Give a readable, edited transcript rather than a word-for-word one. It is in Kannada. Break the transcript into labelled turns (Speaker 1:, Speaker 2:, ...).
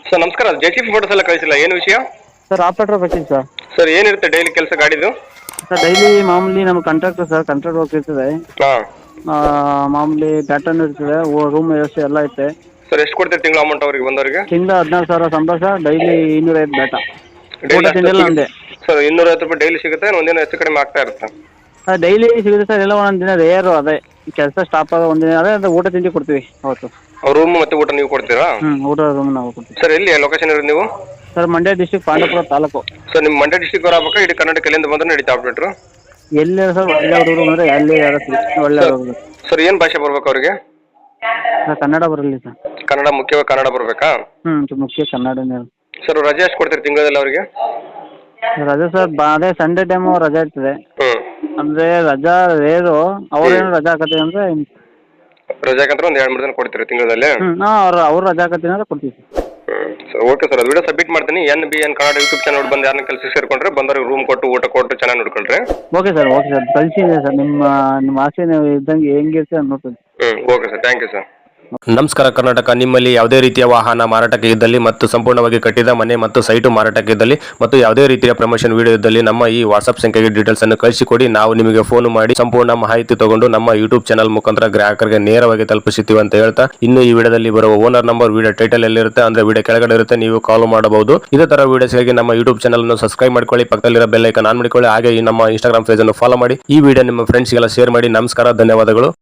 Speaker 1: ಸರ್ ನಮಸ್ಕಾರ, ಜೆಸಿ ಫೋಟೋಸ್ ಎಲ್ಲ ಕಳಿಸಿಲ್ಲ, ಏನು ವಿಷಯ?
Speaker 2: ಸರ್ ಆಪರೇಟರ್ ಬೇಕಿತ್ತು ಸರ್.
Speaker 1: ಸರ್ ಏನಿರುತ್ತೆ ಡೈಲಿ ಕೆಲಸ ಗಾಡಿದು?
Speaker 2: ಸರ್ ಡೈಲಿ ಮಾಮೂಲಿ ನಮ್ಮ ಕಾಂಟ್ರಾಕ್ಟರ್ ಸರ್, ಕಾಂಟ್ರಾಕ್ಟ್ ವರ್ಕ್ ಇರ್ತದೆ.
Speaker 1: ಹಾಂ
Speaker 2: ಮಾಮೂಲಿ ಪ್ಯಾಟರ್ನ್ ಇರ್ತದೆ, ರೂಮ್ ವ್ಯವಸ್ಥೆ ಎಲ್ಲ ಐತೆ.
Speaker 1: ಸರ್ ಎಷ್ಟು ಕೊಡ್ತೀರಿ ತಿಂಗಳು ಅಮೌಂಟ್ ಅವ್ರಿಗೆ ಬಂದವರಿಗೆ?
Speaker 2: ತಿಂಗಳ 16,000 ಸಂಬಳ ಸರ್. ಡೈಲಿ 205 ಡಾಟ. ಊಟ
Speaker 1: ಡೈಲಿ
Speaker 2: ತಿಂಡಿ ಎಲ್ಲ ಒಂದೇ
Speaker 1: ಸರ್. 250 ರೂಪಾಯಿ ಡೈಲಿ ಸಿಗುತ್ತೆ, ಒಂದಿನ ಹೆಚ್ಚು ಕಡಿಮೆ ಆಗ್ತಾ ಇರುತ್ತೆ?
Speaker 2: ಸರ್ ಡೈಲಿ ಸಿಗುತ್ತೆ ಸರ್, ಎಲ್ಲ ಒಂದೊಂದು ದಿನ ರೇರು. ಅದೇ ಕೆಲಸ ಸ್ಟಾಪ್ ಆಗ ಒಂದಿನ ಅದೇ ಅದು ಊಟ ತಿಂಡಿ ಕೊಡ್ತೀವಿ ಅವತ್ತು.
Speaker 1: ರೂಮ್ ಮತ್ತು ಊಟ ನೀವು ಕೊಡ್ತೀರಾ?
Speaker 2: ಊಟ ರೂಮ್ ನಾವು ಕೊಡ್ತೀವಿ.
Speaker 1: ಸರ್ ಎಲ್ಲಿ ಲೊಕೇಶನ್ ಇರೋದು ನೀವು?
Speaker 2: Sir Mandya district, Pandavapura taluk.
Speaker 1: Sir ನಿಮ್ಮ ಮಂಡ್ಯ ಡಿಸ್ಟಿಕ್ ಅವ್ರು ಆಗ್ಬೇಕಾ ಇಡೀ ಕರ್ನಾಟಕ ಎಲ್ಲಿಂದ ಬಂದ್ರೆ ನಡೀತಾ ಆಪ್ರೇಟ್ರು?
Speaker 2: ಎಲ್ಲಿ ಸರ್ ಒಳ್ಳೆ ಹುಡುಗರು ಅಂದರೆ ಎಲ್ಲಿ ಯಾರು ಒಳ್ಳೆ ಹುಡುಗರು.
Speaker 1: ಸರ್ ಏನು ಭಾಷೆ ಬರ್ಬೇಕು ಅವರಿಗೆ?
Speaker 2: ಸರ್ ಕನ್ನಡ ಬರಲಿ ಸರ್.
Speaker 1: ಕನ್ನಡ ಮುಖ್ಯವಾಗಿ ಕನ್ನಡ ಬರಬೇಕಾ?
Speaker 2: ಮುಖ್ಯ ಕನ್ನಡನೇ.
Speaker 1: ಸರ್ ರಜೆ ಎಷ್ಟು ಕೊಡ್ತೀರಿ ತಿಂಗಳಲ್ಲಿ ಅವರಿಗೆ?
Speaker 2: ರಜೆ ಸರ್ ಅದೇ ಸಂಡೇ ಟೈಮು ರಜೆ ಇರ್ತದೆ. ಅಂದರೆ ರಜಾ ರೇರು. ಅವ್ರೇನು ರಜಾ ಹಾಕತ್ತೀವಿ ಅಂದರೆ
Speaker 1: ರಜೆ ಹಾಕಂದ್ರೆ ಒಂದು 2-3 ದಿನ ಕೊಡ್ತೀರಿ ತಿಂಗಳಲ್ಲಿ?
Speaker 2: ಅವ್ರು ರಜಾ ಹಾಕತ್ತೀನಿ ಅಂದ್ರೆ ಕೊಡ್ತೀವಿ
Speaker 1: ಸರ್. ಓಕೆ ಸರ್, ಅದು ವಿಡಿಯೋ ಸಬ್ಮಿಟ್ ಮಾಡ್ತೀನಿ. NBN ಕನ್ನಡ ಯೂಟ್ಯೂಬ್ ಚಾನಲ್ ಬಂದು ಯಾರನ್ನ ಕೆಲಸ ಸೇರ್ಕೊಂಡ್ರೆ ಬಂದವ್ರಿಗೆ ರೂಮ್ ಕೊಟ್ಟು ಊಟ ಕೊಟ್ಟು ಚೆನ್ನಾಗಿ ನೋಡ್ಕೊಂಡ್ರೆ.
Speaker 2: Okay sir. ಕಳಿಸಿದೆ ಸರ್. ನಿಮ್ಮ ಆಸೆ ನೀವು ಇದ್ದಂಗೆ ಹೆಂಗಿರ್ತೀವಿ ಅಂತ ನೋಡ್ತೀನಿ.
Speaker 1: Okay sir, thank you sir.
Speaker 3: ನಮಸ್ಕಾರ ಕರ್ನಾಟಕ. ನಿಮ್ಮಲ್ಲಿ ಯಾವುದೇ ರೀತಿಯ ವಾಹನ ಮಾರಾಟಕ್ಕೆ ಇದ್ದಲ್ಲಿ ಮತ್ತು ಸಂಪೂರ್ಣವಾಗಿ ಕಟ್ಟಿದ ಮನೆ ಮತ್ತು ಸೈಟು ಮಾರಾಟಕ್ಕೆ ಇದ್ದಲ್ಲಿ ಮತ್ತು ಯಾವುದೇ ರೀತಿಯ ಪ್ರಮೋಷನ್ ವಿಡಿಯೋ ಇದ್ದಲ್ಲಿ ನಮ್ಮ ಈ ವಾಟ್ಸ್ಆಪ್ ಸಂಖ್ಯೆಗೆ ಡೀಟೇಲ್ಸ್ ಅನ್ನು ಕಳಿಸಿಕೊಡಿ. ನಾವು ನಿಮಗೆ ಫೋನ್ ಮಾಡಿ ಸಂಪೂರ್ಣ ಮಾಹಿತಿ ತಗೊಂಡು ನಮ್ಮ ಯೂಟ್ಯೂಬ್ ಚಾನಲ್ ಮುಖಾಂತರ ಗ್ರಾಹಕರಿಗೆ ನೇರವಾಗಿ ತಲುಪಿಸುತ್ತೀವಿ ಅಂತ ಹೇಳ್ತಾ, ಇನ್ನು ಈ ವಿಡಿಯೋದಲ್ಲಿ ಬರುವ ಓನರ್ ನಂಬರ್ ವಿಡಿಯೋ ಟೈಟಲ್ ಎಲ್ಲಿರುತ್ತೆ ಅಂದ್ರೆ ವಿಡಿಯೋ ಕೆಳಗಡೆ ಇರುತ್ತೆ, ನೀವು ಕಾಲ್ ಮಾಡಬಹುದು. ಇದೇ ತರ ವಿಡಿಯೋಸ್ಗಾಗಿ ನಮ್ಮ ಯೂಟ್ಯೂಬ್ ಚಾನಲ್ ಅನ್ನು ಸಬ್ಸ್ಕ್ರೈಬ್ ಮಾಡ್ಕೊಳ್ಳಿ, ಪಕ್ಕದಲ್ಲಿರೋ ಬೆಲ್ ಐಕಾನ್ ಆನ್ ಮಾಡಿಕೊಳ್ಳಿ. ಹಾಗೆ ಈ ನಮ್ಮ ಇನ್ಸ್ಟಾಗ್ರಾಮ್ ಪೇಜ್ ಅನ್ನು ಫಾಲೋ ಮಾಡಿ. ಈ ವಿಡಿಯೋ ನಿಮ್ಮ ಫ್ರೆಂಡ್ಸ್ಗೆಲ್ಲ ಶೇರ್ ಮಾಡಿ. ನಮಸ್ಕಾರ, ಧನ್ಯವಾದಗಳು.